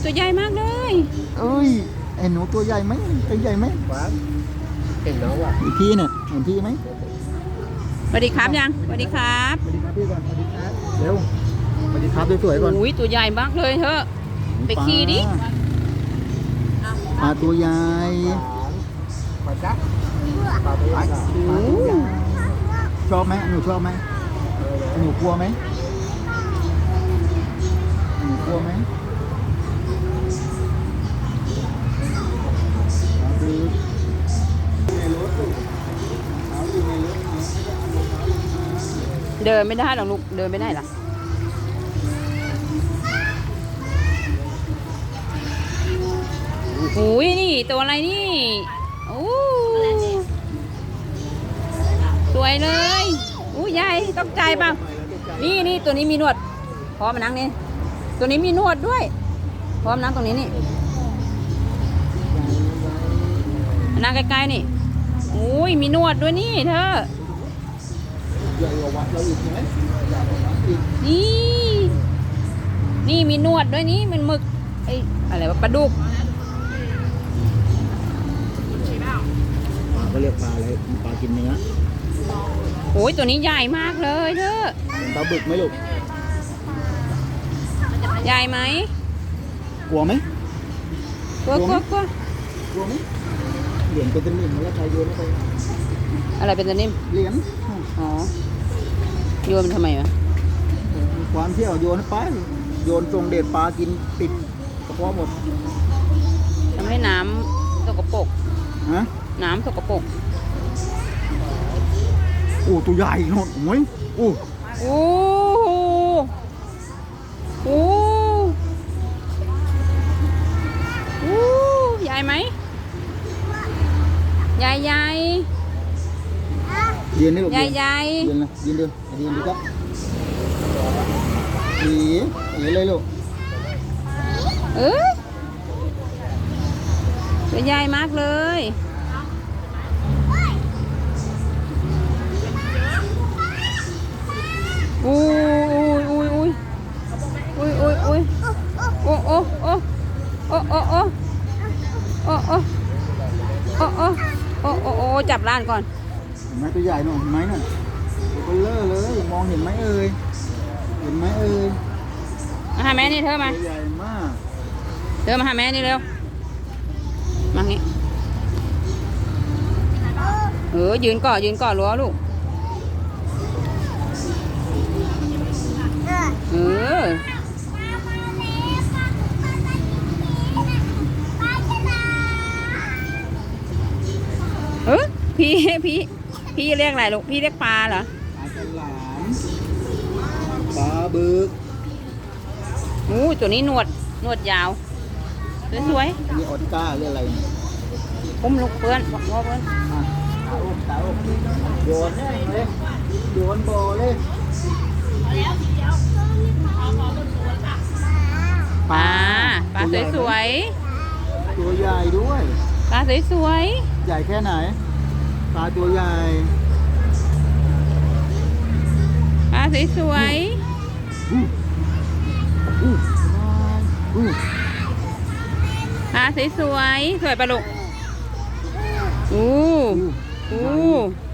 ตัวใหญ่มากเลยเอ้ยไอ้หนูตัวใหญ่ไหมตัวใหญ่ไหมเห็นน้องว่ะอีกพี่เนี่ยเห็นพี่ไหมสวัสดีครับยังสวัสดีครับสวัสดีครับพี่ก่อนสวัสดีครับเร็วสวัสดีครับสวยๆก่อนอุ้ยตัวใหญ่มากเลยเถอะไปขี่ดิปลาตัวใหญ่ปลาจ๊ะปลาตัวใหญ่ชอบไหมหนูชอบไหมหนูกลัวไหมหนูกลัวไหมเดินไม่ได้หรอกลูกเดินไม่ได้หรอโอ้ยนี่ตัวอะไรนี่โอ้สวยเลยอู้ใหญ่ตกใจเปล่านี่ตัวนี้มีหนวดพร้อมมานั่งนี่ตัวนี้มีหนวดด้วยพร้อมนั่งตรงนี้นี่นั่งใกล้ๆนี่อุ้ยมีหนวดด้วยนี่เธอนี่มีหนวดด้วยนี่มันหมึกไอ้อะไรวะปลาดุกก็เรียกปลาอะไรปลากินเนื้อโอ้ยตัวนี้ใหญ่มากเลยเธอปลาบึกไหมลูกใหญ่ไหมกลัวไหมกลัวกลัวไหมเหรียญเป็นตะนิ่มแล้วใครโยนไปอะไรเป็นตะนิ่มเหรียญอ๋อโยนทำไมวะความเที่ยวโยนไปโยนทรงเด็ดปลากินติดกระเพาะหมดทำให้น้ำสกปรกฮะน้ำสกปรกโอ้ตัวใหญ่หนดโอ้ยโอ้โอ้โอ้โอ้ใหญ่ไหมใหญ่ยืนนี่ลูกใหญ่ยืนนะยืนดูครับอีเลยลูกตัวใหญ่มากเลยอุ้ยโอ้จับร้านก่อนเห็นไหมตัวใหญ่หน่อยเห็นไหมน่ะตัวเบลอเลยมองเห็นไหมเอ่ยมาหาแม่นี่เธอมาใหญ่มากเธอมาหาแม่นี่เร็วมางี้ยืนก่อนรั้วลูกพี่เรียกอะไรลูกพี่เรียกปลาเหรอปลาฉลามปลาบึกตัวนี้หนวดยาวสวยๆนี่ออสการ์เรียกอะไรอุ้มลูกเพื่อนบอกว่าเพื่อนตาอกโยนเลยโยนโบเลยปลาสวยตัวใหญ่ด้วยปลาสวยใหญ่แค่ไหนปลาตัวใหญ่ปลาสวยปลาสวยปลาลูก